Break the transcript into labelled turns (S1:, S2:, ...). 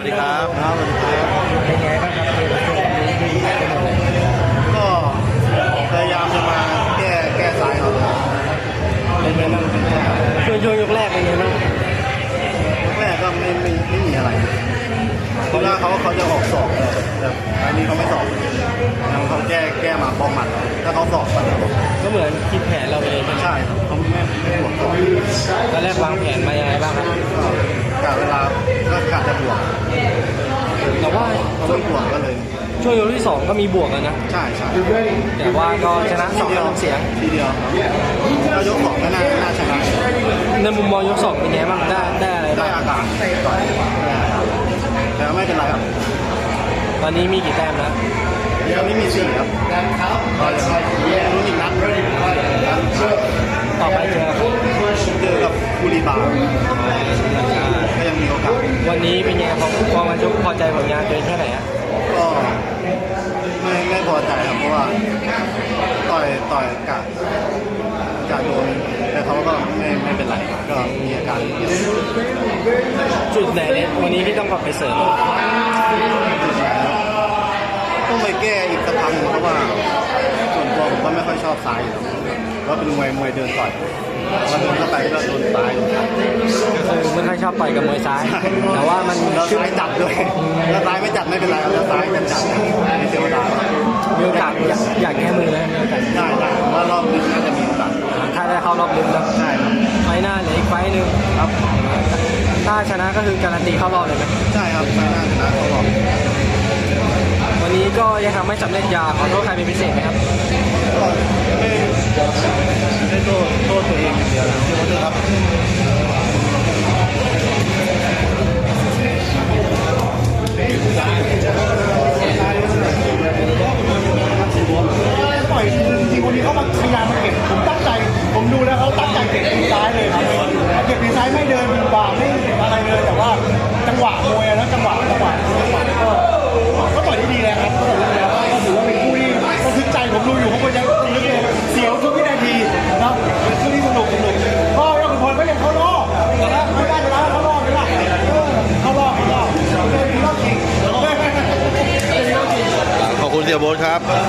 S1: ดีครับ
S2: ครับสวัสดีครับ
S3: เป็นไงบ้างครับเกมช่วงนี้ที่ได้หมดเลย
S2: ก็พยายามจะมาแก้สายเขาเป็นไงบ้างเป็นแก้
S3: ช่วงยกแรกเป็นไงบ้าง
S2: แรกก็ไม่มีอะไรคิดว่าเขาจะออกสอบแต่อันนี้เขาไม่สอบเขาแก้มาป้องมันถ้าเขาสอบมัน
S3: ก็เหมือนคิดแผนเราไปเลยใช่ไหม
S2: ใช่ครับเขาไม่บวกสอบ
S3: ตอนแรกวางแผนมายังไงบ้างครับ
S2: ก็กะเวลาก็กะจะบวก
S3: แต่ว่า
S2: เขาไม่บวกก็เลย
S3: ช่วงยกที่2ก็มีบวกแล้วนะ
S2: ใช่ใช่
S3: แต่ว่าก็ชนะ2-1เสียง
S2: ทีเดียวเรายกสองก็น่าชนะ
S3: ในมุมมองยก2เป็นไงบ้างได้อะไร
S2: ได้
S3: บ้าง
S2: อากาศต่อยแต่ไม่เป็นไรครับ
S3: ตอนนี้มีกี่แต้มแล้ว
S2: ตอนนี้มี4ครับก็ยังลุ้นอีกนัด
S3: ต่อไปเจอ
S2: เจอกับบุรีบาร์ก็ยังมีโอกาส
S3: วันนี้เป็นไงพอมาชกพอใจผลงานตัวเองแค่ไหนอ่ะ
S2: ก็ไม่พอใจครับเพราะว่าต่อยกะโดนแต่เขาก็ไม่เป็นไรก็มีอาการ
S3: จุดไหนเนี่ยวันนี้ที่ต้องกลับไปเสริม
S2: ต้องไปแก้อีกสักครั้งเพราะว่าส่วนตัวผมก็ไม่ค่อยชอบซ้ายอยู่แล้วเป็นมวยเดินต่อยพอเดินเข้าไปก็โดนซ้าย
S3: ก็คือไม่ค่อยชอบต่อยกับมวยซ้าย แต่ว่ามัน
S2: แล้วซ้ายจัดด้วยแล้วซ้ายไม่จัดไม่เป็นไรแล้วซ้ายจัดไม่เสียเวลา
S3: มีโอกาสอยากแก้มือนะมีโอกาส
S2: ได้ว่ารอบนี้น่าจะมีโอกาส
S3: ถ้าได้เข้ารอบลึกแล้ว
S2: ใช่ครับ
S3: ไฟหน้าเหลืออีกไฟหนึ่ง
S2: ครับ
S3: ถ้าชนะก็คือการันตีเข้ารอบเลยไหม
S2: ใช่ครับไม่น่าชนะเขาหรอก
S3: วันนี้ก็ยังทำไม่สำเร็จอยากขอโทษใครเป็นพิเศษไหมครับ
S2: ก็ไม่โทษตัวเองอย่างเดียวนะที่ว่าครับ
S4: ต่อยทีคนนี้เขามาพยายามมาเก็บผมตั้งใจผมดูแล้วเขาตั้งใจเก็บทีซ้ายเลยครับเก็บทีซ้ายไม่เดินบ่าไม่อะไรเลยแต่ว่าจังหวะมวยแล้วจังหวะก็ต่อยได้ดีแล้วครับก็ต่อยได้ดีแล้วก็ถือว่าเป็นคู่ที่ระทึกใจผมดูอยู่ผมก็ยังนึกเลยเสียวทุกวินาทีนะเป็นคู่ที่สนุกก็ยอดขุนพลก็ยังเข้ารอบนะไม่ได้ชนะเข้ารอบไม่ได้เข้ารอบเดินที่รอบจริง
S1: ขอบคุณเสี่ยโบ๊ทครับ